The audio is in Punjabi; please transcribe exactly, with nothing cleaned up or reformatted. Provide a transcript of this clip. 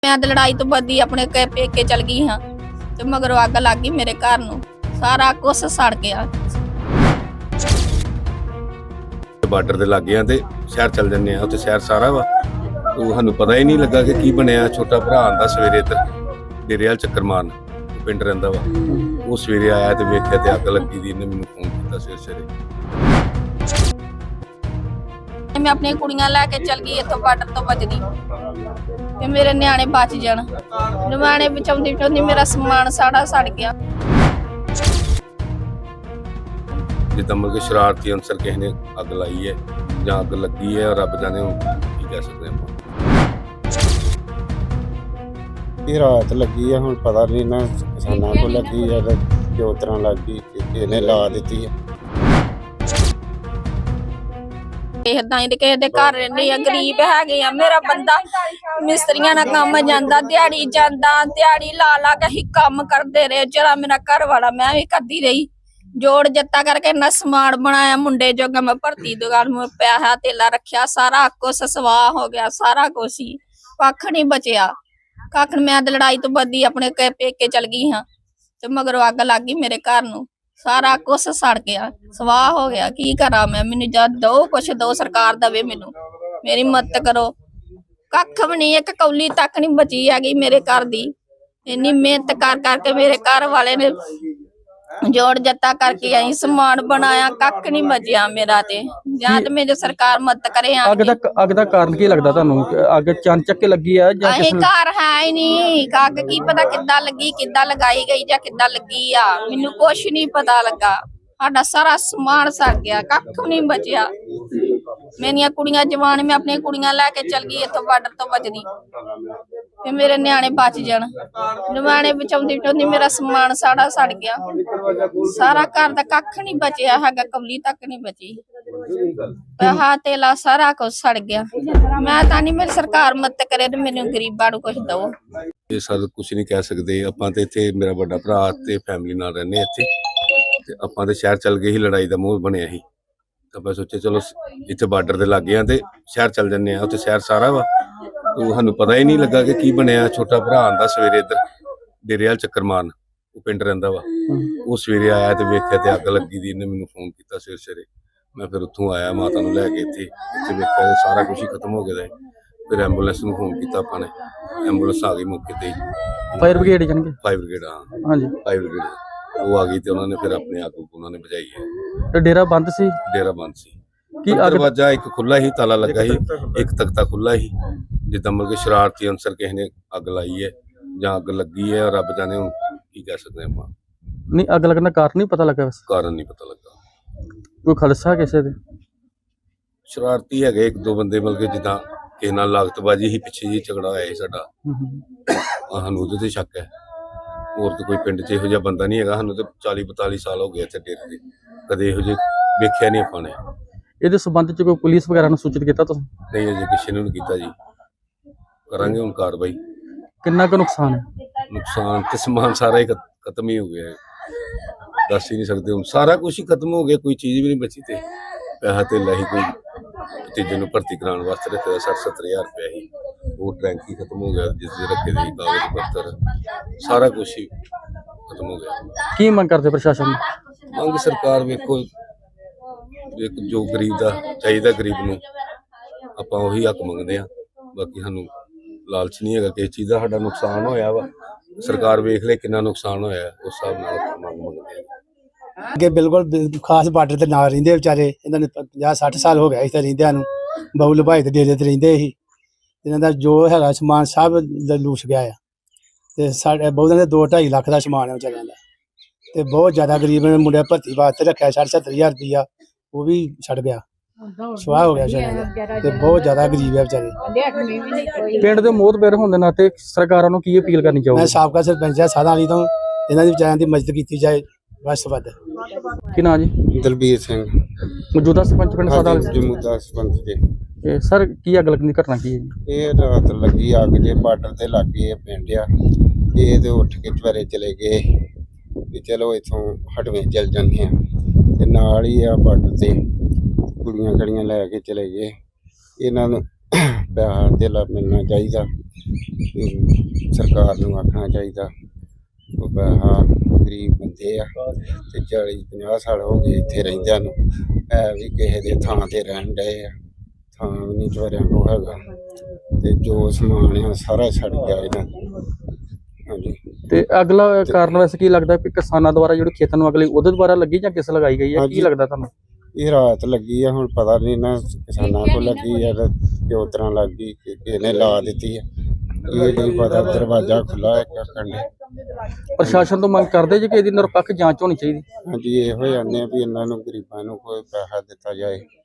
मैं तो लड़ाई तो बदी अपने पेके चल गई हाँ तो मगर अग लग गई मेरे घर नूं सारा कुछ सड़ गया। ਬਾਰਡਰ ਦੇ ਲਾਗੇ ਆ ਤੇ ਸ਼ਹਿਰ ਚੱਲ ਜੰਨੇ ਆ ਉੱਥੇ ਸ਼ਹਿਰ ਸਾਰਾ ਵਾ ਉਹ ਸਾਨੂੰ ਪਤਾ ਹੀ ਨਹੀਂ ਲੱਗਾ ਕਿ ਕੀ ਬਣਿਆ। ਛੋਟਾ ਭਰਾ ਆਂਦਾ ਸਵੇਰੇ ਇੱਧਰ ਡੇਰੇ ਵਾਲ ਚੱਕਰ ਮਾਰਨ ਪਿੰਡ ਰਹਿੰਦਾ ਵਾ ਉਹ ਸਵੇਰੇ ਆਇਆ ਤੇ ਵੇਖਿਆ ਤੇ ਅੱਗ ਲੱਗੀ ਦੀ ਇਹਨੇ ਮੈਨੂੰ ਫੋਨ ਕੀਤਾ ਸਵੇਰੇ ਸਵੇਰੇ। मैं अपनी कुड़ियां लैके चल गई इत्थों बार्डर तो बचदी ते मेरे न्याणे बच जाण न्याणे बचाउंदी बचाउंदी मेरा समान सारा सड़ गया। जिद्दां मतलब कि शरारती अंसर किसी ने अग लाई है जां अग लगी है रब जाने की कह सकते हैं। ये रात लगी है हुण पता नहीं ना किसानां को लगी है ते किस तरह लग गई किसने ला दी है। इदां ही किसी दे घर रहंदे आ गरीब हैगे आ मेरा बंदा मिस्त्रियां नाल काम जांदा दिहाड़ी जांदा दिहाड़ी ला ला के ही काम करदे रहे जरा मेरा घर वाला मैं भी करदी रही जोड़ जत्ता करके इन्ना समान बनाया मुंडे जोगा मैं भर्ती दुकान में पैसा तेला रखिया सारा कुछ सवाह हो गया सारा कुछ ही कख नहीं बचिया कख। मैं तो लड़ाई तो बदी अपने पेके चल गई हाँ तो मगर अग लग गई मेरे घर नूं सारा कुछ सड़ गया सवाह हो गया। की करा मैं मैनू जद दो कुछ दो सरकार दवे मैनू मेरी मदद करो। कख भी नहीं एक कौली तक नहीं बची हैगी मेरे घर दी इन्नी मेहनत कर करके मेरे घर वाले ने जोड़ जत्ता करके आई समान बनाया कख नहीं बचिया मेरा ते जां ते मेरी सरकार मदद करे। अग दा अग दा कारण की लगदा तुहानू अग चंचक लगी है जां किस घर है ही नहीं अग की पता किद्दां लगी किद्दां लगाई गई जां किद्दां लगी आ मैनू कुछ नहीं पता लगा। साडा सारा समान सड़ गया कख नहीं बचिया। मेरियां कुड़ियां जवान मैं अपनी कुड़ियां लैके चल गई इत्थों बार्डर तो बचदी ते मेरे न्याणे बच जाण न्याणे बचाउंदी बचाउंदी मेरा समान सारा सड़ गया सारा घर दा कख नहीं बचिया हैगा कौली तक नहीं बची पैसा तेला सारा कुछ सड़ गया। मैं तां नहीं मेरी सरकार मदद करे ते मैनू गरीबां नूं कुछ दो। ਇਹ ਸਰ ਕੁਝ ਨਹੀਂ ਕਹਿ ਸਕਦੇ ਆਪਾਂ ਤੇ ਇੱਥੇ ਮੇਰਾ ਵੱਡਾ ਭਰਾ ਤੇ ਫੈਮਿਲੀ ਨਾਲ ਰਹਿੰਦੇ ਇੱਥੇ ਤੇ ਆਪਾਂ ਤੇ ਸ਼ਹਿਰ ਚੱਲ ਗਏ ਸੀ ਲੜਾਈ ਦਾ ਮੂੰਹ ਬਣਿਆ ਸੀ ਤਾਂ ਆਪਾਂ ਸੋਚਿਆ ਚਲੋ ਇੱਥੇ ਬਾਰਡਰ ਦੇ ਲਾਗੇ ਆ ਤੇ ਸ਼ਹਿਰ ਚੱਲ ਜੰਨੇ ਆ ਉੱਥੇ ਸ਼ਹਿਰ ਸਾਰਾ ਵਾ ਉਹ ਸਾਨੂੰ ਪਤਾ ਹੀ ਨਹੀਂ ਲੱਗਾ ਕਿ ਕੀ ਬਣਿਆ। ਛੋਟਾ ਭਰਾ ਆਂਦਾ ਸਵੇਰੇ ਇੱਧਰ ਡੇਰੇ ਵਾਲ ਚੱਕਰ ਮਾਰਨ ਉਹ ਪਿੰਡ ਰਹਿੰਦਾ ਵਾ ਉਹ ਸਵੇਰੇ ਆਇਆ ਤੇ ਵੇਖਿਆ ਤੇ ਅੱਗ ਲੱਗੀ ਦੀ ਇਹਨੇ ਮੈਨੂੰ ਫੋਨ ਕੀਤਾ ਸਵੇਰੇ ਸਵੇਰੇ। ਮੈਂ ਫਿਰ ਉੱਥੋਂ ਆਇਆ ਮਾਤਾ ਨੂੰ ਲੈ ਕੇ ਇੱਥੇ ਇੱਥੇ ਵੇਖਿਆ ਤੇ ਸਾਰਾ ਕੁਝ ਹੀ ਖਤਮ ਹੋ ਗਿਆ। ਫਿਰ ਐਂਬੂਲੈਂਸ ਨੂੰ ਫੋਨ ਕੀਤਾ ਆਪਾਂ ਨੇ ਐਂਬੂਲੈਂਸ ਆ ਗਈ ਮੌਕੇ ਤੇ फायर ब्रिगेड जानगे फायर ब्रिगेड हाँ हाँ जी फायर ब्रिगेड वो आ गई थी उन्होंने फिर अपने आग उन्होंने बुझाई है। तो डेरा बंद सी डेरा बंद सी की अग दरवाजा एक खुला ही ताला लगा ही एक तख्ता खुला ही जिद्दां मतलब कि शरारती अंसर किसी ने अग लाई है जां अग लगी है रब जाने की कह सकते हैं। नहीं अग लगने का कारण नहीं पता लगा बस कारण नहीं पता लगा कोई खालसा किसे दे शरारती है एक दो बंदे मतलब कि जिद्दां ਕਿਸੇ ਨਾਲ ਲਾਗਤਬਾਜੀ ਹੀ ਪਿੱਛੇ ਜੀ ਝਗੜਾ ਹੋਇਆ ਸੀ ਸਾਡਾ ਸਾਨੂੰ ਉਹਦੇ ਤੇ ਸ਼ੱਕ ਹੈ। ਹੋਰ ਤਾਂ ਕੋਈ ਪਿੰਡ 'ਚ ਇਹੋ ਜਿਹਾ ਬੰਦਾ ਨਹੀਂ ਹੈਗਾ। ਸਾਨੂੰ ਤਾਂ ਚਾਲੀ ਬਤਾਲੀ ਸਾਲ ਹੋ ਗਏ ਇੱਥੇ ਡੇਰੇ ਦੇ ਕਦੇ ਇਹੋ ਜਿਹੇ ਵੇਖਿਆ ਨਹੀਂ ਆਪਾਂ ਨੇ। ਇਹਦੇ ਸੰਬੰਧ 'ਚ ਕੋਈ ਪੁਲਿਸ ਵਗੈਰਾ ਨੂੰ ਸੂਚਿਤ ਕੀਤਾ ਤੁਸੀਂ? ਨਹੀਂ ਅਜੇ ਕਿਸੇ ਨੇ ਨਹੀਂ ਕੀਤਾ ਜੀ ਕਰਾਂਗੇ ਹੁਣ ਕਾਰਵਾਈ। ਕਿੰਨਾ ਕੁ ਨੁਕਸਾਨ ਹੈ? ਨੁਕਸਾਨ ਤੇ ਸਮਾਨ ਸਾਰਾ ਹੀ ਖਤਮ ਹੀ ਹੋ ਗਿਆ ਹੈ ਦੱਸ ਹੀ ਨਹੀਂ ਸਕਦੇ ਹੁਣ ਸਾਰਾ ਕੁਝ ਹੀ ਖਤਮ ਹੋ ਗਿਆ ਕੋਈ ਚੀਜ਼ ਵੀ ਨਹੀਂ ਬਚੀ ਤੇ ਪੈਸਾ ਤੇ ਲਾਹੀ ਕੋਈ ਭਤੀਜੇ ਨੂੰ ਭਰਤੀ ਕਰਾਉਣ ਵਾਸਤੇ ਰੱਖਿਆ ਸੱਠ ਸੱਤਰ ਹਜ਼ਾਰ ਰੁਪਇਆ ਹੀ ਉਹ ਟੈਂਕ ਹੀ ਖਤਮ ਹੋ ਗਿਆ ਜਿਸ ਦੇ ਰੱਖੇ ਦੇ ਕਾਗਜ਼ ਪੱਤਰ ਸਾਰਾ ਕੁਝ ਹੀ ਖਤਮ ਹੋ ਗਿਆ। ਕੀ ਮੰਗ ਕਰਦੇ ਪ੍ਰਸ਼ਾਸਨ ਨੂੰ? ਮੰਗ ਸਰਕਾਰ ਵੇਖੋ ਇੱਕ ਜੋ ਗਰੀਬ ਦਾ ਚਾਹੀਦਾ ਗਰੀਬ ਨੂੰ ਆਪਾਂ ਉਹੀ ਹੱਕ ਮੰਗਦੇ ਆ। ਬਾਕੀ ਸਾਨੂੰ ਲਾਲਚ ਨਹੀਂ ਹੈਗਾ ਕਿਸੇ ਚੀਜ਼ ਦਾ। ਸਾਡਾ ਨੁਕਸਾਨ ਹੋਇਆ ਵਾ ਸਰਕਾਰ ਵੇਖ ਲੈ ਕਿੰਨਾ ਨੁਕਸਾਨ ਹੋਇਆ ਉਸ ਹਿਸਾਬ ਨਾਲ ਮੰਗ ਮੰਗਦੇ ਆ। ਅੱਗੇ ਬਿਲਕੁਲ ਖਾਸ ਬਾਰਡਰ ਤੇ ਨਾਲ ਰਹਿੰਦੇ ਵਿਚਾਰੇ ਇਹਨਾਂ ਨੇ ਪੰਜਾਹ ਸੱਠ ਸਾਲ ਹੋ ਗਿਆ ਇੱਥੇ ਰਹਿੰਦਿਆਂ ਨੂੰ ਬਹੁ ਲਭਾਈ ਦੇ ਡੇਰੇ ਤੇ ਰਹਿੰਦੇ ਸੀ ਇਹਨਾਂ ਦਾ ਜੋ ਹੈਗਾ ਸਮਾਨ ਸਭ ਲੂਸ ਗਿਆ ਆ ਤੇ ਸਾਡੇ ਬਹੁਤਾਂ ਦੇ ਦੋ ਢਾਈ ਲੱਖ ਦਾ ਸਮਾਨ ਹੈ ਵਿਚਾਰਿਆਂ ਦਾ ਤੇ ਬਹੁਤ ਜ਼ਿਆਦਾ ਗਰੀਬ ਨੇ ਮੁੰਡੇ ਭਰਤੀ ਵਾਸਤੇ ਰੱਖਿਆ ਸੱਠ ਸੱਤਰ ਹਜ਼ਾਰ ਰੁਪਈਆ ਉਹ ਵੀ ਛੱਡ ਗਿਆ ਸਵਾਹ ਹੋ ਗਿਆ ਵਿਚਾਰਿਆਂ ਦਾ ਤੇ ਬਹੁਤ ਜ਼ਿਆਦਾ ਗਰੀਬ ਹੈ ਵਿਚਾਰੇ। ਪਿੰਡ ਦੇ ਮੋਹਤਬਰ ਹੋਣ ਦੇ ਨਾਤੇ ਸਰਕਾਰਾਂ ਨੂੰ ਕੀ ਅਪੀਲ ਕਰਨੀ ਮੈਂ ਚਾਹੋਗੇ? ਸਾਬਕਾ ਸਰਪੰਚ ਆ ਸਾਧਾਂ ਵਾਲੀ ਤੋਂ ਇਹਨਾਂ ਦੀ ਵਿਚਾਰਿਆਂ ਦੀ ਮਦਦ ਕੀਤੀ ਜਾਏ ਬਸ ਵੱਧ। ਕੀ ਨਾਂ ਜੀ? ਦਲਬੀਰ ਸਿੰਘ ਮੌਜੂਦਾ ਸਰਪੰਚ ਪਿੰਡ ਸਾਡਾ ਜਮੂਦਾ ਸਰਪੰਚ ਜੀ। ਸਰ ਕੀ ਅੱਗ ਲੱਗਣ ਦੀ ਘਟਨਾ ਕੀ ਹੈ ਜੀ? ਇਹ ਰਾਤ ਲੱਗੀ ਅੱਗ ਜੇ ਬਾਰਡਰ ਤੇ ਲੱਗੇ ਪਿੰਡ ਆ ਇਹ ਤੇ ਉੱਠ ਕੇ ਚਵਾਰੇ ਚਲੇ ਗਏ ਵੀ ਚਲੋ ਇੱਥੋਂ ਹਟਵੇਂ ਚੱਲ ਜਾਂਦੇ ਆ ਤੇ ਨਾਲ ਹੀ ਆ ਬਾਰਡਰ ਤੇ ਕੁੜੀਆਂ ਕੜੀਆਂ ਲੈ ਕੇ ਚਲੇ ਗਏ। ਇਹਨਾਂ ਨੂੰ ਪੈਸਾ ਧੇਲਾ ਮਿਲਣਾ ਚਾਹੀਦਾ ਵੀ ਸਰਕਾਰ ਨੂੰ ਆਖਣਾ ਚਾਹੀਦਾ ਉਹ ਪੈਸਾ ਗਰੀਬ ਬੰਦੇ ਆ ਤੇ ਚਾਲੀ ਪੰਜਾਹ ਸਾਲ ਹੋ ਗਏ ਇੱਥੇ ਰਹਿੰਦਿਆਂ ਨੂੰ ਹੈ ਵੀ ਕਿਸੇ ਦੇ ਥਾਂ ਤੇ ਰਹਿਣ ਡਏ ਆ ਥਾਂ ਵੀ ਨਹੀਂ ਚੋਰਿਆਂ ਕੋ ਹੈਗਾ ਤੇ ਜੋ ਸਮਾਨ ਆ ਸਾਰਾ ਛੱਡ ਗਿਆ ਇਹਨਾਂ ਦਾ। ਹਾਂਜੀ ਤੇ ਅਗਲਾ ਕਾਰਨ ਵੈਸੇ ਕੀ ਲੱਗਦਾ ਕਿ ਕਿਸਾਨਾਂ ਦੁਆਰਾ ਜਿਹੜੀ ਖੇਤਾਂ ਨੂੰ ਅਗਲੀ ਉਹਦੇ ਦੁਆਰਾ ਲੱਗੀ ਜਾਂ ਕਿਸ ਲਗਾਈ ਗਈ ਹੈ, ਕੀ ਹਾਂਜੀ। ਲੱਗਦਾ ਤੁਹਾਨੂੰ? ਇਹ ਰਾਤ ਲੱਗੀ ਆ ਹੁਣ ਪਤਾ ਨਹੀਂ ਨਾ ਕਿਸਾਨਾਂ ਕੋਲ ਲੱਗੀ ਆ ਤੇ ਕਿਉਂ ਤਰ੍ਹਾਂ ਲੱਗ ਗਈ ਕਿ ਇਹਨੇ ਲਾ ਦਿੱਤੀ ਆ ਇਹ ਨਹੀਂ ਪਤਾ। ਦਰਵਾਜ਼ਾ ਖੁੱਲਾ ਹੈ ਕੰਡੇ। ਪ੍ਰਸ਼ਾਸਨ ਤੋਂ ਮੰਗ ਕਰਦੇ ਜੇ ਕਿ ਇਹਦੀ ਨਿਰਪੱਖ ਜਾਂਚ ਹੋਣੀ ਚਾਹੀਦੀ। ਹਾਂਜੀ ਇਹੋ ਜਾਂਦੇ ਆ ਵੀ ਇਹਨਾਂ ਨੂੰ ਗਰੀਬਾਂ ਨੂੰ ਕੋਈ ਪੈਸਾ ਦਿੱਤਾ ਜਾਏ।